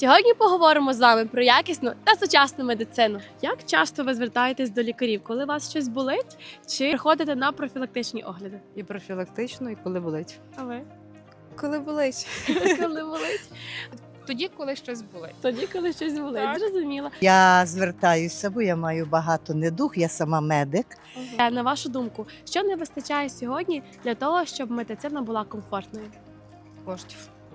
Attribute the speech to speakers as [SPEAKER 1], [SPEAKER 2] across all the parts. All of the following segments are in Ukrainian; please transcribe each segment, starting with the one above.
[SPEAKER 1] Сьогодні поговоримо з вами про якісну та сучасну медицину. Як часто ви звертаєтесь до лікарів, коли у вас щось болить, чи приходите на профілактичні огляди?
[SPEAKER 2] І профілактично, і коли болить.
[SPEAKER 1] А ви?
[SPEAKER 2] Коли болить.
[SPEAKER 1] Коли болить?
[SPEAKER 3] Тоді, коли щось болить.
[SPEAKER 1] Тоді, коли щось болить.
[SPEAKER 3] Так.
[SPEAKER 1] Зрозуміло.
[SPEAKER 4] Я звертаюся, бо я маю багато недуг, я сама медик.
[SPEAKER 1] На вашу думку, що не вистачає сьогодні для того, щоб медицина була комфортною?
[SPEAKER 3] Коштів.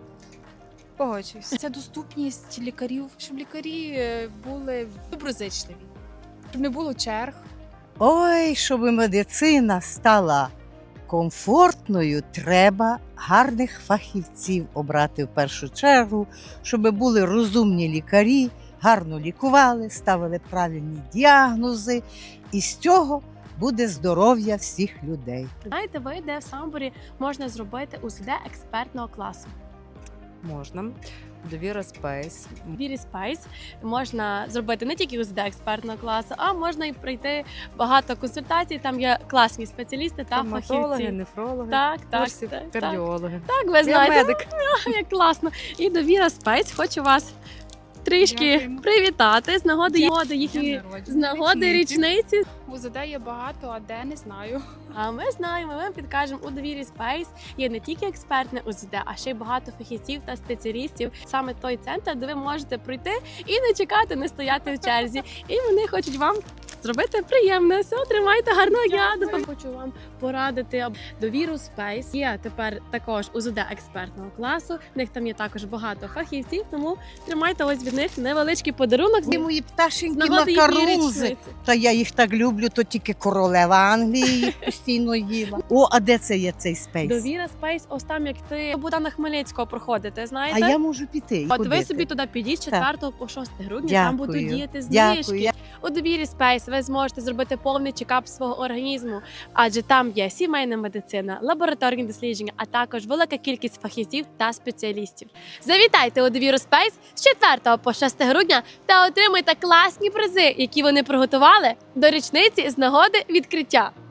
[SPEAKER 3] Погоджуюсь. Це доступність лікарів, щоб лікарі були доброзичливі, щоб не було черг.
[SPEAKER 4] Ой, щоб медицина стала комфортною, треба гарних фахівців обрати в першу чергу, щоб були розумні лікарі, гарно лікували, ставили правильні діагнози, і з цього буде здоров'я всіх людей.
[SPEAKER 1] Знаєте ви, де в Самборі можна зробити УЗД експертного класу?
[SPEAKER 2] Можна. Довіра Спейс.
[SPEAKER 1] В Вірі Спайс можна зробити не тільки УЗД експертного класу, а можна і пройти багато консультацій. Там є класні спеціалісти та
[SPEAKER 2] Стоматологи,
[SPEAKER 1] фахівці.
[SPEAKER 2] нефрологи,
[SPEAKER 1] Так,
[SPEAKER 2] курсів,
[SPEAKER 1] так.
[SPEAKER 2] кардіологи.
[SPEAKER 1] Так, ви
[SPEAKER 2] Я
[SPEAKER 1] знаєте,
[SPEAKER 2] медик.
[SPEAKER 1] як класно. І Довіра Спайс хочу вас трішки
[SPEAKER 3] Дякуємо.
[SPEAKER 1] привітати з нагоди їхньої
[SPEAKER 3] День народження,
[SPEAKER 1] з нагоди річниці.
[SPEAKER 3] УЗД є багато, а де не знаю.
[SPEAKER 1] А ми знаємо, ми вам підкажемо, у Довірі Спейс є не тільки експертне УЗД, а ще й багато фахівців та спеціалістів. Саме той центр, де ви можете прийти і не чекати, не стояти в черзі. І вони хочуть вам зробити приємне. Все, тримайте гарного дня. Хочу вам порадити Довіру Спейс. Є тепер також УЗД експертного класу. В них там є також багато фахівців, тому тримайте ось від них невеличкий подарунок
[SPEAKER 4] Ці мої
[SPEAKER 1] з
[SPEAKER 4] пташенькі
[SPEAKER 1] нагоди їхньої
[SPEAKER 4] макарунзи.
[SPEAKER 1] річниці.
[SPEAKER 4] Та я їх так люблю, то тільки королева Англії їх постійно їла. О, а де це є цей спейс?
[SPEAKER 1] Довіра Спейс, ось там, як ти Богдана Хмельницького проходите,
[SPEAKER 4] А
[SPEAKER 1] знаєте?
[SPEAKER 4] я можу піти. і
[SPEAKER 1] От ви
[SPEAKER 4] ходити.
[SPEAKER 1] собі туди підіть з
[SPEAKER 4] Так.
[SPEAKER 1] 4 по 6 грудня, там будуть
[SPEAKER 4] Дякую.
[SPEAKER 1] діяти
[SPEAKER 4] Дякую.
[SPEAKER 1] знижки. У Довірі Спейс ви зможете зробити повний чекап свого організму, адже там є сімейна медицина, лабораторні дослідження, а також велика кількість фахівців та спеціалістів. Завітайте у Довіру Спейс з 4 по 6 грудня та отримайте класні призи, які вони приготували до річниці з нагоди відкриття.